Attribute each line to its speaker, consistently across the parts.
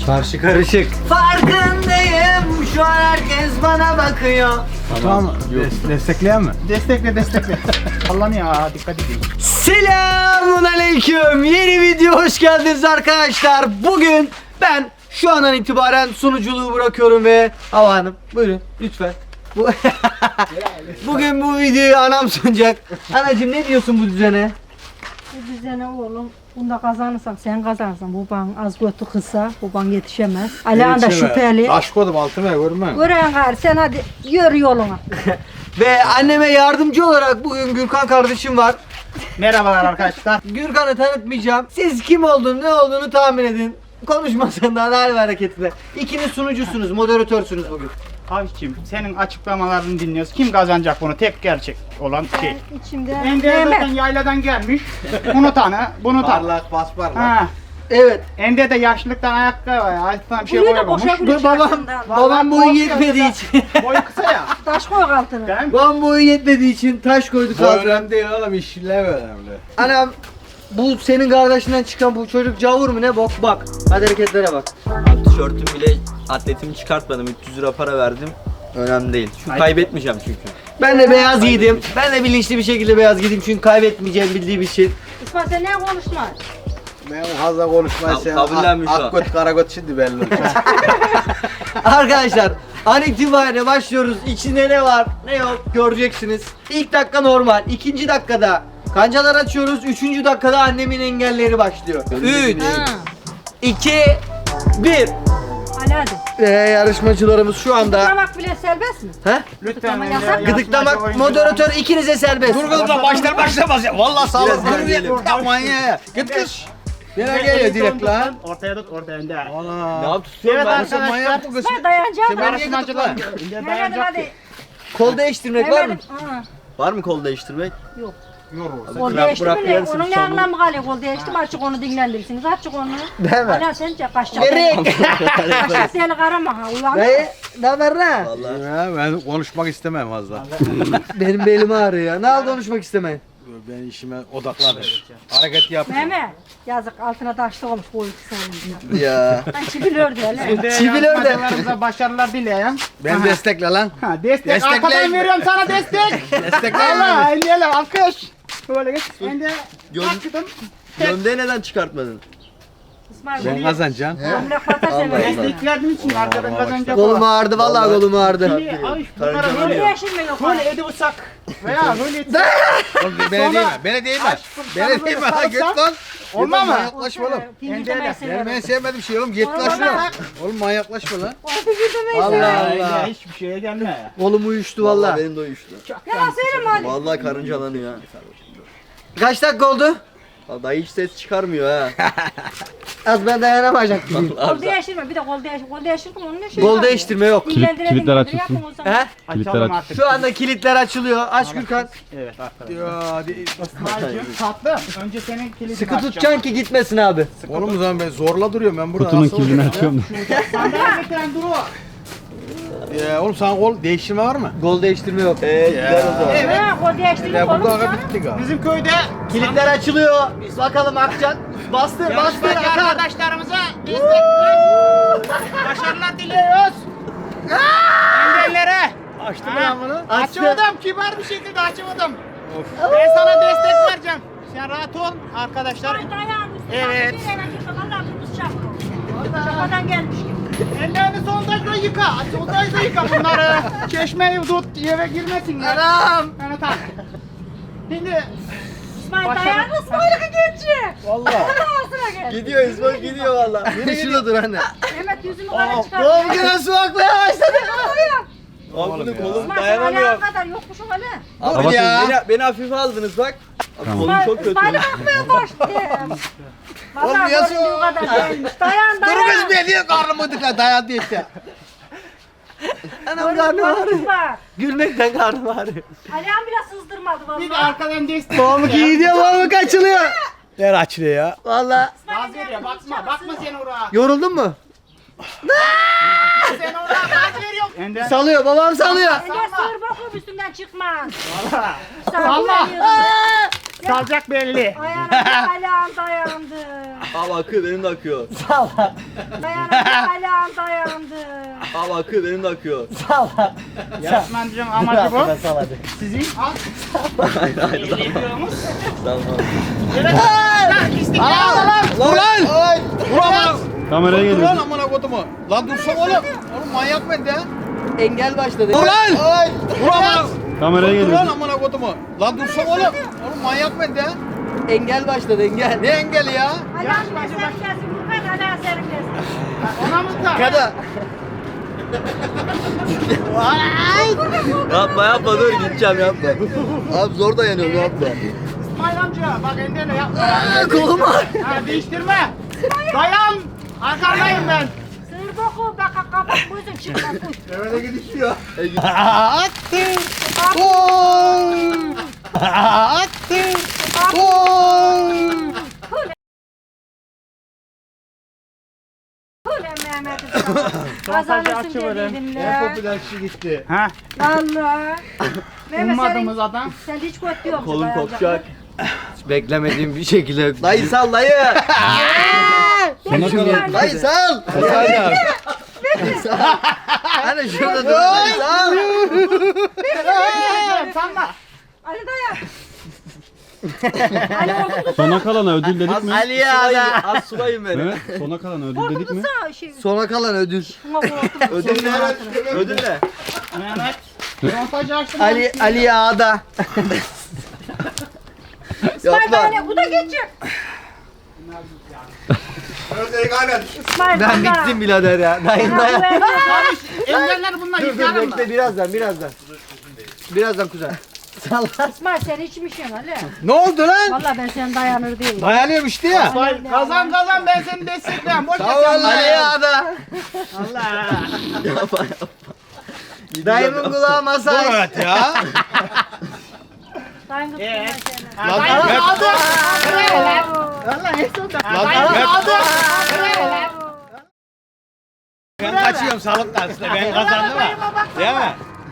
Speaker 1: Karşı karışık. Farkındayım. Şu an herkes bana bakıyor.
Speaker 2: Tamam. Destekleyen mi?
Speaker 3: Destekle. Sallanıyor ha, dikkat edin.
Speaker 1: Selamünaleyküm. Yeni video hoş geldiniz arkadaşlar. Bugün ben şu andan itibaren sunuculuğu bırakıyorum ve Hava Hanım buyurun lütfen. Bugün bu videoyu anam sunacak. Anacığım ne diyorsun bu düzene?
Speaker 4: Bu düzene oğlum, bunda kazanırsan sen kazanırsın. Baban az götü kısa, baban yetişemez. Alihan da şüpheli.
Speaker 2: Taş koydum altına görme.
Speaker 4: Gören gari sen hadi yürü yoluna.
Speaker 1: Ve anneme yardımcı olarak bugün Gürkan kardeşim var.
Speaker 3: Merhabalar arkadaşlar.
Speaker 1: Gürkan'ı tanıtmayacağım. Siz kim olduğunu, ne olduğunu tahmin edin. Konuşmasından hal ve hareketine. İkiniz sunucusunuz, moderatörsünüz bugün.
Speaker 3: Abiciğim senin açıklamalarını dinliyoruz. Kim kazanacak bunu? Tek gerçek olan şey.
Speaker 4: Ben içimde
Speaker 3: Ender zaten
Speaker 4: Mehmet.
Speaker 3: yayladan gelmiş. Bunu tanı, bunu tanı.
Speaker 2: Parlak bas parlak.
Speaker 3: Ha.
Speaker 1: Evet.
Speaker 3: Ender de yaşlılıktan ayakkabı var. Ayaktan bir şey
Speaker 4: Burayı da
Speaker 3: koyamamış.
Speaker 4: boşa bile
Speaker 1: Babam,
Speaker 4: çarşından.
Speaker 1: babam boyu
Speaker 3: Vallahi
Speaker 1: yetmediği için.
Speaker 3: Boyu kısa ya.
Speaker 4: Taş koy altına.
Speaker 3: Değil mi?
Speaker 1: Babam boyu yetmediği için taş koyduk
Speaker 2: Bu
Speaker 1: ağzına.
Speaker 2: önemli değil oğlum, işler önemli.
Speaker 1: Anam, bu senin kardeşinden çıkan bu çocuk cavur mu ne bok? Bak. Hadi hareketlere bak.
Speaker 5: Tişörtüm bile atletimi çıkartmadım. 300 lira para verdim. Önemli değil. Şu kaybetmeyeceğim çünkü.
Speaker 1: Ben de beyaz giydim. Ben de bilinçli bir şekilde beyaz giydim çünkü kaybetmeyeceğim bildiğim için.
Speaker 4: İsmail sen ne konuşma?
Speaker 2: Ben fazla konuşmayı
Speaker 5: kabullenmiş o.
Speaker 2: Akgöt karagöt şimdi belli olacak.
Speaker 1: Arkadaşlar an itibariyle başlıyoruz. İçinde ne var ne yok göreceksiniz. İlk dakika normal. İkinci dakikada kancalar açıyoruz. Üçüncü dakikada annemin engelleri başlıyor. 3,
Speaker 4: Ha.
Speaker 1: 2, 1.
Speaker 4: Ali hadi.
Speaker 1: Yarışmacılarımız şu anda.
Speaker 4: Gıdıklamak bile serbest mi?
Speaker 1: He?
Speaker 3: Lütfen
Speaker 4: Ama
Speaker 3: Ender,
Speaker 4: yasak.
Speaker 3: yarışmacı
Speaker 1: Gıdıklamak
Speaker 3: oyuncu-
Speaker 1: moderatör ikinize serbest.
Speaker 2: Dur kızım lan başlamaz ya. Vallahi sağ ol.
Speaker 5: Biraz
Speaker 2: Dur
Speaker 5: gelelim.
Speaker 2: ya. Manyağı ya. Git kız. Nereye
Speaker 3: Ender,
Speaker 2: geliyor direkt lan?
Speaker 3: Ortaya tut, ortaya Ender.
Speaker 2: Ana.
Speaker 5: Ne yapıyorsun
Speaker 3: Evet
Speaker 5: ben?
Speaker 2: Nasıl
Speaker 3: arkadaşlar.
Speaker 2: manyak bu kız?
Speaker 4: İsmail dayanacağım
Speaker 2: Sen
Speaker 4: da.
Speaker 2: beni-
Speaker 3: Yarışmacılar. Ender
Speaker 4: Mehmet'im
Speaker 3: dayanacak
Speaker 4: hadi.
Speaker 3: ki.
Speaker 1: Kol değiştirmek var mı?
Speaker 4: Mehmet'im. Ha.
Speaker 5: Var mı kol değiştirmek?
Speaker 4: Yok.
Speaker 2: Yorulur.
Speaker 4: Kol
Speaker 5: Bırak-
Speaker 4: değişti
Speaker 5: bırak
Speaker 4: mi ne?
Speaker 5: yersin,
Speaker 4: Onun ne
Speaker 5: çamur.
Speaker 4: anlamı kalıyor kol değişti mi? Açık onu dinlendirirsiniz. Açık onu.
Speaker 1: Değil mi?
Speaker 4: Hala sen kaçacak.
Speaker 1: Nereye?
Speaker 4: Kaçacak deli karama ha. Uyan.
Speaker 1: Dayı, ne haber lan?
Speaker 5: Vallahi.
Speaker 2: Ya ben konuşmak istemem fazla.
Speaker 1: Benim belim ağrıyor ya. Ne oldu konuşmak istemeyin?
Speaker 2: Ben işime odaklanırım. Hareket yap.
Speaker 4: Mehmet. Yazık altına taşlı olmuş bu ikisi sayesinde.
Speaker 1: Ya.
Speaker 4: Ben çibilördü hele.
Speaker 3: Ender,
Speaker 1: Çivilör de.
Speaker 3: yarışmacılarımıza başarılar dileyen.
Speaker 2: Ben destekle lan.
Speaker 3: Ha, destek.
Speaker 2: Destekleyin.
Speaker 3: Arkadan veriyorum sana destek.
Speaker 2: Destekleyin.
Speaker 3: Allah Ender'le alkış. Böyle geç. Ender.
Speaker 5: Gön-
Speaker 3: Açtım.
Speaker 5: Gömleği neden çıkartmadın?
Speaker 4: İsmail
Speaker 2: Ben kazanacağım.
Speaker 4: gömlek pata
Speaker 5: Allah
Speaker 4: sever.
Speaker 3: Destek verdiğim için arkadan kazanacak
Speaker 1: Kolum
Speaker 3: o.
Speaker 1: ağrıdı vallahi kolum ağrıdı.
Speaker 3: Şimdi ay bunlara
Speaker 5: Karınca
Speaker 3: böyle
Speaker 4: Yeşil mi yok?
Speaker 3: böyle ediyorsak veya böyle etsek
Speaker 2: Oğlum beni değme. Beni değme.
Speaker 3: Aşkım, sana
Speaker 2: Beni
Speaker 3: böyle
Speaker 2: değme lan.
Speaker 3: sarılsam
Speaker 2: Git lan.
Speaker 3: olmaz mı?
Speaker 2: Yaklaşma oğlum.
Speaker 4: Fingir demeyi
Speaker 2: Ben
Speaker 4: severim.
Speaker 2: sevmedim şey oğlum. Git lan
Speaker 4: Olmaz.
Speaker 2: şuna. Oğlum manyaklaşma lan.
Speaker 4: O fingir demeyi
Speaker 1: Allah
Speaker 4: severim.
Speaker 1: Allah.
Speaker 3: Ya, hiçbir şeye gelme.
Speaker 1: Kolum uyuştu
Speaker 5: Vallahi
Speaker 1: vallahi.
Speaker 5: benim de uyuştu.
Speaker 4: Yalan söyleme hadi.
Speaker 5: Vallahi karıncalanıyor ha.
Speaker 1: Kaç dakika oldu?
Speaker 5: Vallahi hiç ses çıkarmıyor ha.
Speaker 1: Az ben dayanamayacak gibiyim.
Speaker 4: Kol değiştirme bir de kol değiştir. Kol değiştirme onun ne şey
Speaker 1: Gol
Speaker 4: var?
Speaker 1: değiştirme yok.
Speaker 4: Kilitler açılsın.
Speaker 1: He?
Speaker 3: Açalım artık.
Speaker 1: Şu anda kilitler açılıyor. Aç Gürkan.
Speaker 3: Evet arkadaşlar.
Speaker 2: Ya
Speaker 3: İsmail'cim tatlı. Önce senin kilidini
Speaker 1: Sıkı
Speaker 3: açacağım.
Speaker 1: tutacaksın ki gitmesin abi.
Speaker 2: oğlum o zaman ben zorla duruyorum ben burada.
Speaker 6: Kutunun
Speaker 2: nasıl
Speaker 6: kilidini
Speaker 2: olacak
Speaker 6: açıyorum.
Speaker 3: Sandalye getiren duru.
Speaker 2: Ya oğlum sana kol değiştirme var mı?
Speaker 1: Gol değiştirme yok.
Speaker 5: Gider o zaman.
Speaker 3: Evet.
Speaker 4: Ha kol değiştirme
Speaker 2: Ya
Speaker 4: kolum
Speaker 2: burada aga
Speaker 4: sana.
Speaker 2: bitti galiba.
Speaker 3: Bizim köyde
Speaker 1: Kilitler açılıyor. Bakalım akacak. Bastır bastır
Speaker 3: yarışmacı
Speaker 1: akar.
Speaker 3: arkadaşlarımıza destek başarılar diliyoruz. Engellere.
Speaker 2: Açtı mı lan bunu?
Speaker 1: Açtı.
Speaker 3: Açamadım. Kibar bir şekilde açamadım. Ben sana destek vereceğim. Sen rahat ol arkadaşlar.
Speaker 4: Ay dayan.
Speaker 3: Evet.
Speaker 4: Vallahi kırmızı şapka. Şapkadan gelmiş gibi.
Speaker 3: Ellerini soldayda yıka. Soldayda yıka bunları. Çeşmeyi tut eve girmesinler.
Speaker 1: Anam.
Speaker 3: Yani tamam. Şimdi
Speaker 4: İsmail
Speaker 3: Başarı-
Speaker 4: dayan İsmail'e geçecek.
Speaker 2: Vallahi.
Speaker 4: Ağzına gel.
Speaker 5: Gidiyor İsmail gidiyor vallahi.
Speaker 1: Biri şurada dur anne.
Speaker 4: Mehmet yüzümü kara çıkar.
Speaker 1: Oğlum gene su akmaya başladı.
Speaker 5: Abi bunu kolum
Speaker 4: İsmail sen
Speaker 5: dayanamıyor.
Speaker 4: ayağa kadar yokmuşum öyle.
Speaker 5: Abi
Speaker 2: ya.
Speaker 5: beni hafife aldınız bak. Abi kolum çok kötü.
Speaker 4: İsmail'e bakmaya başladım.
Speaker 2: Oğlum
Speaker 4: Vallahi
Speaker 2: yasın.
Speaker 4: göründüğü kadar gelmiş. Dayan
Speaker 2: Dur
Speaker 4: dayan.
Speaker 2: kız be diye karnımı tıkla dayandı işte.
Speaker 1: Anam karnım ağrıyor.
Speaker 4: Var.
Speaker 1: Gülmekten karnım ağrıyor.
Speaker 4: Alihan bile sızdırmadı
Speaker 3: bir de
Speaker 4: vallahi.
Speaker 3: arkadan destek.
Speaker 1: Pamuk gidiyor pamuk açılıyor.
Speaker 2: Ver açlı ya.
Speaker 1: Valla.
Speaker 3: Gaz veriyor bakma. Bakma sen oraya.
Speaker 1: Yoruldun mu?
Speaker 3: Sen oraya gaz veriyorsun. Ender.
Speaker 1: Salıyor babam salıyor.
Speaker 4: Ender sığır bakıp üstünden çıkmaz.
Speaker 3: Salla.
Speaker 4: Salla.
Speaker 3: Salacak belli.
Speaker 4: Ayağına Alihan dayandı.
Speaker 5: Abi akıyor benim de akıyor.
Speaker 4: Dayandı ayağım dayandı.
Speaker 5: Abi akıyor benim de akıyor.
Speaker 3: Yarışmacının amacı bu. Sizin al.
Speaker 5: Hayır hayır.
Speaker 3: Geliyormuş.
Speaker 5: Tamam.
Speaker 3: Evet. İstiklal.
Speaker 2: Ulan! Ulan!
Speaker 6: Kameraya
Speaker 2: Dur
Speaker 6: geliyor.
Speaker 2: lan amına kodumu. Lan dursana oğlum. Oğlum manyak mıydı ya?
Speaker 1: Engel başladı.
Speaker 2: Ulan! Ulan!
Speaker 6: Kameraya
Speaker 2: Dur lan
Speaker 6: geliyor.
Speaker 2: amına kodumu. Lan dursana oğlum. Oğlum manyak mıydı ya?
Speaker 1: Engel başladı engel.
Speaker 2: Ne engeli ya?
Speaker 4: Ayağım sen kesin Furkan ayağım senin kesin.
Speaker 3: Ona mı da?
Speaker 1: Kada.
Speaker 5: Yapma dur gideceğim yapma. Abi zor dayanıyorum yapma.
Speaker 3: İsmail amca bak endene yapma.
Speaker 1: Kolum var.
Speaker 3: Ha değiştirme. Dayan. Arkandayım ben.
Speaker 4: Sığır boku bak kapat gözün çıkma kuş.
Speaker 2: Öyle gidişiyor.
Speaker 4: Attı. Kule Mehmet'im sana. Kazanırsın dediydin
Speaker 2: En
Speaker 4: la.
Speaker 2: popüler kişi gitti.
Speaker 3: Ha.
Speaker 4: Allah. Mehmet
Speaker 3: Ummadığımız
Speaker 4: senin,
Speaker 3: adam.
Speaker 4: sen hiç kötü yok.
Speaker 5: Kolum kopacak.
Speaker 1: Beklemediğim bir şekilde. Dayı sal dayı.
Speaker 6: Sona kadar.
Speaker 1: Dayı sal. Hani şurada dur. Dayı sal.
Speaker 3: Sanma.
Speaker 4: Ali dayan. Ali oldu
Speaker 6: Sona kalana ödül dedik mi?
Speaker 1: Ali ya da.
Speaker 5: Az sulayın beni.
Speaker 6: Evet. Sona kalana ödül dedik mi?
Speaker 4: korkutuza şey.
Speaker 1: Sona kalan ödül.
Speaker 4: Şuna korktum.
Speaker 5: Ödül ne? Ödül ne?
Speaker 3: Mehmet. Montajı açtım.
Speaker 1: Ali ya da.
Speaker 4: İsmail böyle bu da geçecek. İsmail
Speaker 1: Ben
Speaker 4: bana.
Speaker 1: bittim birader ya. Dayı dayan.
Speaker 3: Engeller bunlar
Speaker 1: Dur
Speaker 3: yıkarım mı?
Speaker 1: bekle birazdan. Birazdan kuzen. Salla.
Speaker 4: İsmail sen içmişsin Ali.
Speaker 2: Ne oldu lan?
Speaker 4: Vallahi ben sen dayanır değilim.
Speaker 2: Dayanıyorum işte ya.
Speaker 3: İsmail kazan ben seni desteklerim. Boş ver
Speaker 2: Sağ ol
Speaker 3: sen.
Speaker 2: lan.
Speaker 1: Ali ya da.
Speaker 3: Allah.
Speaker 5: Yapma.
Speaker 1: Dayımın kulağı masaj.
Speaker 2: Evet ya.
Speaker 4: Dayın kutlu seni.
Speaker 2: Lan
Speaker 3: Dayan
Speaker 2: Mehmet.
Speaker 3: aldı.
Speaker 4: Allah Esat.
Speaker 2: Lan
Speaker 3: Dayan
Speaker 2: Mehmet.
Speaker 3: aldı.
Speaker 2: Ben kaçıyorum sağlık dersine. Ben kazandım ha. Değil mi?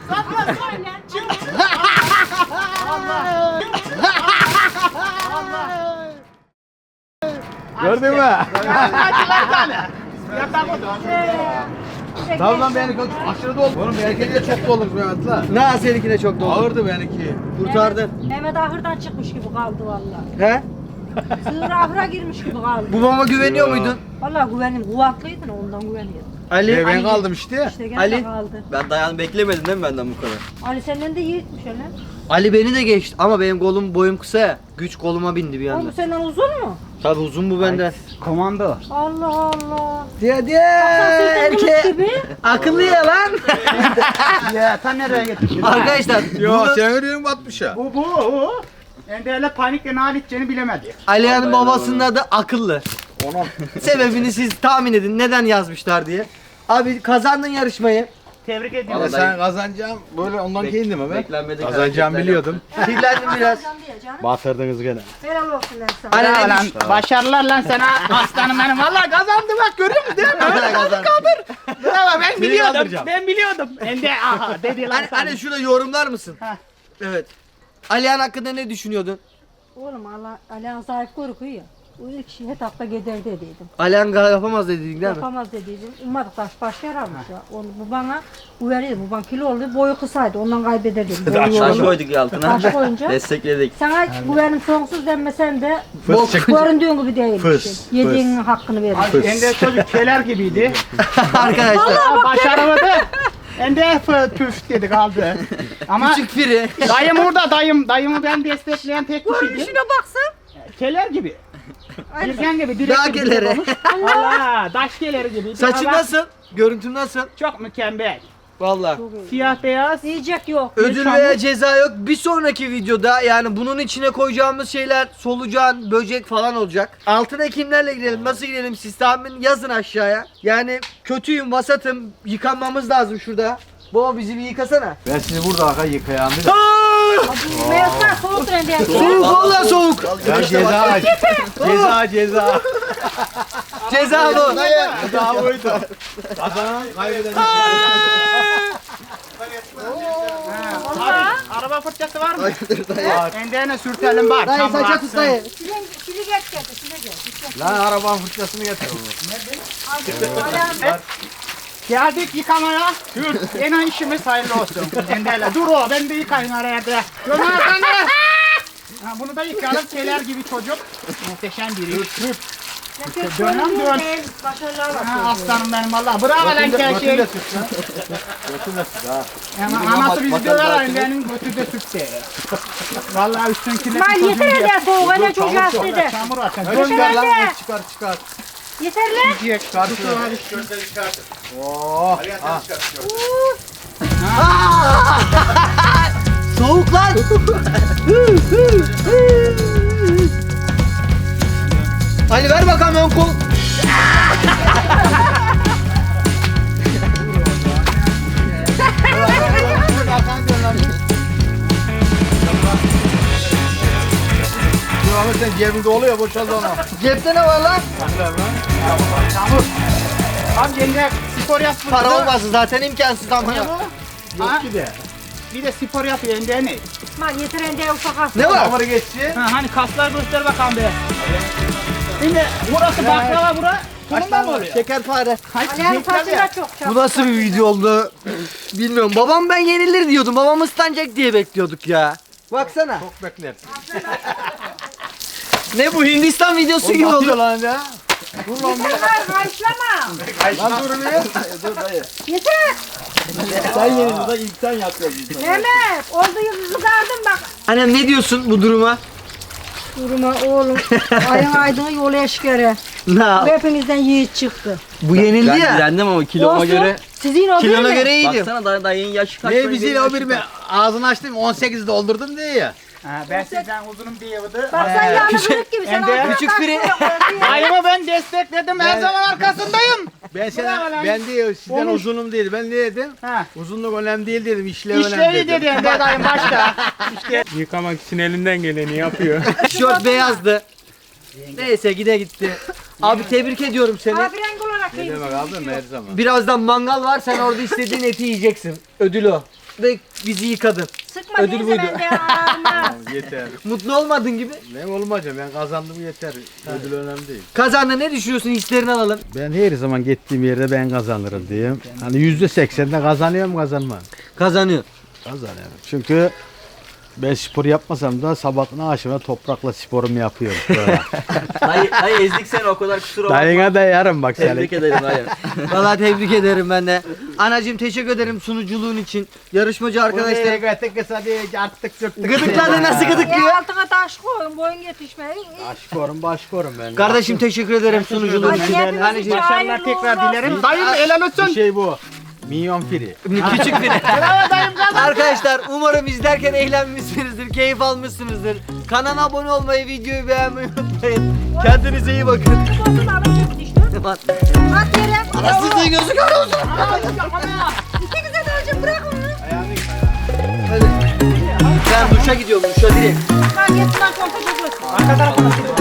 Speaker 2: Gördün mü?
Speaker 3: Hadi tane. Yatak otur.
Speaker 2: Tamam lan benimki aşırı doldu. Oğlum benimki de çok dolmuş Mehmet lan.
Speaker 1: Ne seninkine çok doldu.
Speaker 2: Ağırdı benimki.
Speaker 1: Kurtardın.
Speaker 4: Mehmet ahırdan çıkmış gibi kaldı vallahi.
Speaker 1: He?
Speaker 4: Sığır ahıra girmiş gibi kaldı.
Speaker 1: Babama güveniyor muydun?
Speaker 4: Vallahi güvenim kuvvetliydin ondan güveniyordum.
Speaker 1: Ali.
Speaker 2: Ben kaldım işte.
Speaker 4: İşte gene
Speaker 1: Ali.
Speaker 4: kaldı.
Speaker 5: Ben dayan beklemedin değil mi benden bu kadar?
Speaker 4: Ali senden de yiğitmiş öyle.
Speaker 1: Ali beni de geçti ama benim kolum boyum kısa ya. Güç koluma bindi bir
Speaker 4: Oğlum
Speaker 1: anda.
Speaker 4: bu senden uzun mu?
Speaker 1: Tabii uzun bu benden.
Speaker 3: Komando.
Speaker 4: Allah Allah.
Speaker 1: Diye
Speaker 4: Sen kılıç
Speaker 1: erke.
Speaker 4: gibi.
Speaker 1: Akıllı ya lan.
Speaker 3: Ya sen nereye getirdin?
Speaker 1: Arkadaşlar
Speaker 2: Yo
Speaker 1: bunu
Speaker 2: sen öyle batmış ya.
Speaker 3: Bu. Enderle panikle ne halledeceğini bilemedi.
Speaker 1: Ali'nin babasının adı Akıllı. Sebebini siz tahmin edin neden yazmışlar diye. Abi kazandın yarışmayı.
Speaker 3: Tebrik
Speaker 2: Valla
Speaker 3: ediyorum.
Speaker 2: sen kazanacağım böyle ondan giyindim mi ben?
Speaker 5: Beklenmedik
Speaker 2: Kazanacağım
Speaker 5: hareketler
Speaker 2: biliyordum.
Speaker 1: Kirlendim biraz.
Speaker 4: Kazandı ya canım.
Speaker 2: Batırdınız gene.
Speaker 4: Helal olsun lan sana.
Speaker 1: Ali ne
Speaker 3: Lan,
Speaker 1: düştü?
Speaker 3: başarılar lan sana aslanım benim. Vallahi kazandı bak görüyor musun değil mi?
Speaker 1: Hala kazandı.
Speaker 3: Bravo ben biliyordum.
Speaker 2: kaldıracağım.
Speaker 3: Ben biliyordum. Ende aha dedi lan
Speaker 1: Hani,
Speaker 3: sana.
Speaker 1: hani şurada yorumlar mısın?
Speaker 3: Heh.
Speaker 1: Evet. Alihan hakkında ne düşünüyordun?
Speaker 4: Oğlum Alihan sahip korkuyor ya. O ilk şey etapta gider dediydim.
Speaker 1: Alihan yapamaz dedin değil mi?
Speaker 4: Yapamaz dediydim. Ummadık taş baş yararmış ya. Onu, bu bana güveniydi. Bu bana kilo oldu. Boyu kısaydı. Ondan kaybederdim. Boyu
Speaker 5: Taş
Speaker 4: yoruldu.
Speaker 5: koyduk ya altına.
Speaker 4: Taş koyunca.
Speaker 5: Destekledik.
Speaker 4: Sana güvenim sonsuz denmesen de
Speaker 2: Fıs çıktı.
Speaker 4: göründüğün gibi değilmişsin.
Speaker 2: Fıs,
Speaker 4: Yediğinin hakkını verir.
Speaker 3: Ende çocuk keler gibiydi.
Speaker 1: Arkadaşlar.
Speaker 3: Başaramadı. Ende püf dedi kaldı. Ama
Speaker 1: Küçük Firi.
Speaker 3: dayım orada dayım. Dayımı ben destekleyen tek kişiydi.
Speaker 4: Görünüşüne baksın.
Speaker 3: Keler gibi. Birgen gibi. Direkt
Speaker 1: Dağ
Speaker 3: gibi
Speaker 1: keleri.
Speaker 3: olmuş. Allah daş keleri gibi.
Speaker 1: Saçın nasıl? Görüntün nasıl?
Speaker 3: Çok mükemmel.
Speaker 1: Vallahi.
Speaker 3: Siyah beyaz.
Speaker 4: Yiyecek yok.
Speaker 1: Ödül
Speaker 3: Çamur.
Speaker 1: veya ceza yok. Bir sonraki videoda yani bunun içine koyacağımız şeyler solucan, böcek falan olacak. Altına kimlerle gidelim, nasıl gidelim siz tahmin yazın aşağıya. Yani kötüyüm, vasatım, yıkanmamız lazım şurada. Baba bizi bir yıkasana.
Speaker 2: Ben sizi burada arka yıkayayım. Bir de.
Speaker 4: Meyvesler soğuk rendi.
Speaker 1: Soğuk valla soğuk.
Speaker 2: Ya ceza. Ceza.
Speaker 1: Ceza bu.
Speaker 2: Ceza buydu. Kazanan kaybeden.
Speaker 3: Araba fırçası var mı? Endene sürtelim var.
Speaker 1: Dayı
Speaker 3: tam
Speaker 1: saça
Speaker 3: bıraksın.
Speaker 1: tut dayı.
Speaker 4: Çile geç geldi. Çile geç.
Speaker 2: Lan arabanın fırçasını getir oğlum.
Speaker 3: Geldik yıkamaya. Yine işimiz hayırlı olsun. Enderle. Dur o, ben de yıkayayım araya da. Ömer sen de. Ha, bunu da yıkayalım. Keler gibi çocuk. Muhteşem biri. Dönem dön.
Speaker 4: Başarılar
Speaker 3: Ha, aslanım benim valla. Bravo lan Kelşey. Anası bizi döver benim götü de sütte. Valla üstünkine
Speaker 4: İsmail yeter hadi soğuk hele çok hasta de.
Speaker 3: çamur atın.
Speaker 2: Gönder lan
Speaker 4: Hadi.
Speaker 2: çıkar.
Speaker 4: Yeter lan.
Speaker 3: Yiyecek.
Speaker 2: Oo.
Speaker 1: Soğuk lan. Ali ver bakalım ön kol.
Speaker 2: Dur Ahmet sen cebinde oluyor boşaldı onu.
Speaker 1: Cepte ne var lan?
Speaker 3: Çamur. Tam yenge spor yapsın.
Speaker 1: Para olmasın zaten imkansız ama.
Speaker 3: Yok
Speaker 2: ki de.
Speaker 3: Bir de spor yapıyor yenge ne?
Speaker 4: İsmail yeter hadi ufak hasta.
Speaker 1: Ne var?
Speaker 2: Damarı geçti.
Speaker 3: Ha, hani kaslar göster bakalım be. Şimdi burası baklava bura. Bununla mı oluyor?
Speaker 1: Şekerpare.
Speaker 4: Ali'nin saçı da çok
Speaker 1: Bu nasıl bir video oldu? Bilmiyorum. Babam ben yenilir diyordum. Babam ıslanacak diye bekliyorduk ya. Baksana.
Speaker 2: Çok bekler.
Speaker 1: Ne bu Hindistan videosu gibi
Speaker 2: Atıyor
Speaker 1: oldu.
Speaker 2: lan ya.
Speaker 4: Dur lan karışlama.
Speaker 2: Lan dur bir. Dur dayı.
Speaker 4: Yeter.
Speaker 2: Sen yenildin ilk sen yapıyorsun.
Speaker 4: Mehmet oldu yıldızı kardın bak.
Speaker 1: Annem ne diyorsun bu duruma?
Speaker 4: Durma oğlum. Ayın aydını yolu eşkere.
Speaker 1: Na,
Speaker 4: Hepimizden yiğit çıktı.
Speaker 1: bu yenildi
Speaker 5: Ben
Speaker 1: ya.
Speaker 5: direndim ama kiloma
Speaker 4: Olsun.
Speaker 5: göre.
Speaker 4: Sizin o
Speaker 1: Kilona
Speaker 4: değil mi?
Speaker 1: göre iyiydim.
Speaker 5: Baksana dayının yaşı kaç?
Speaker 2: Ne
Speaker 5: benim
Speaker 2: biziyle o
Speaker 5: yaşım
Speaker 2: bir mi?
Speaker 5: kaç.
Speaker 2: Ağzını açtım 18 doldurdum diye ya.
Speaker 3: Ha, ben sizden uzunum diyordu.
Speaker 4: Bak sen yani kırık gibi. Sen
Speaker 3: Hem de
Speaker 4: altına
Speaker 1: küçük
Speaker 4: taş
Speaker 1: biri.
Speaker 4: koyuyorsun.
Speaker 3: Dayımı ben destekledim. Her zaman arkasındayım.
Speaker 2: Ben
Speaker 3: Bravo lan.
Speaker 2: sana ben diyor sizden
Speaker 3: Konuş.
Speaker 2: uzunum değil. Ben ne dedim?
Speaker 3: Ha.
Speaker 2: Uzunluk önemli değil dedim. İşlev önemli
Speaker 3: İşlevi
Speaker 2: dedim.
Speaker 3: dedi hem de dayım başta. İşte.
Speaker 6: Yıkamak için elinden geleni yapıyor.
Speaker 1: Tişört beyazdı. Neyse gitti. Abi tebrik ediyorum seni.
Speaker 4: Abi renk olarak
Speaker 2: Ne demek abi her zaman.
Speaker 1: Birazdan mangal var. Sen orada istediğin eti yiyeceksin. Ödül o. Ve bizi yıkadın.
Speaker 4: Sıkma
Speaker 1: Ödül
Speaker 4: neyse
Speaker 1: buydu.
Speaker 4: ben de ağzıma.
Speaker 2: Yeter.
Speaker 1: Mutlu olmadın gibi.
Speaker 2: Ne olmayacağım ben kazandım yeter. Ödül önemli değil.
Speaker 1: Kazandı ne düşünüyorsun? Hislerini alalım.
Speaker 2: Ben her zaman gittiğim yerde ben kazanırım diyeyim. Hani %80'de kazanıyorum kazanmam.
Speaker 1: Kazanıyor.
Speaker 2: Kazanıyorum. Çünkü ben spor yapmasam da sabahına akşama toprakla sporumu yapıyorum. Böyle.
Speaker 5: Dayı ezdik seni o kadar kusura bakma.
Speaker 2: Dayına da yarım bak sen.
Speaker 5: Tebrik ederim dayı.
Speaker 1: Vallahi tebrik ederim ben de. Anacığım teşekkür ederim sunuculuğun için. Yarışmacı arkadaşlarım. Gıdıkladı nasıl gıdıklıyor?
Speaker 4: Altına taş koyun boyun yetişmeyin.
Speaker 2: Başkorum ben.
Speaker 1: Kardeşim teşekkür ederim sunuculuğun
Speaker 4: Hadi
Speaker 1: için.
Speaker 4: hepimiz
Speaker 1: Anneciğim
Speaker 4: için
Speaker 3: Başarılar
Speaker 4: hayırlı
Speaker 3: tekrar
Speaker 4: uğurlu
Speaker 3: dilerim.
Speaker 4: olsun.
Speaker 3: Dayım helal
Speaker 2: Bir
Speaker 3: olsun.
Speaker 2: şey bu. Minyon fili.
Speaker 1: küçük biri.
Speaker 3: Bravo dayım kazandı.
Speaker 1: Arkadaşlar umarım izlerken eğlenmişsinizdir, keyif almışsınızdır. Kanala abone olmayı, videoyu beğenmeyi unutmayın. Kendinize iyi bakın.
Speaker 4: Bozun alın düştü. At yere.
Speaker 1: Anasızlığı gözüküyor olsun.
Speaker 4: İkinize de önce bırak onu.
Speaker 1: Ben duşa gidiyorum, duşa direkt.
Speaker 4: Bak yetmez korkacak olsun.
Speaker 3: Arka tarafına.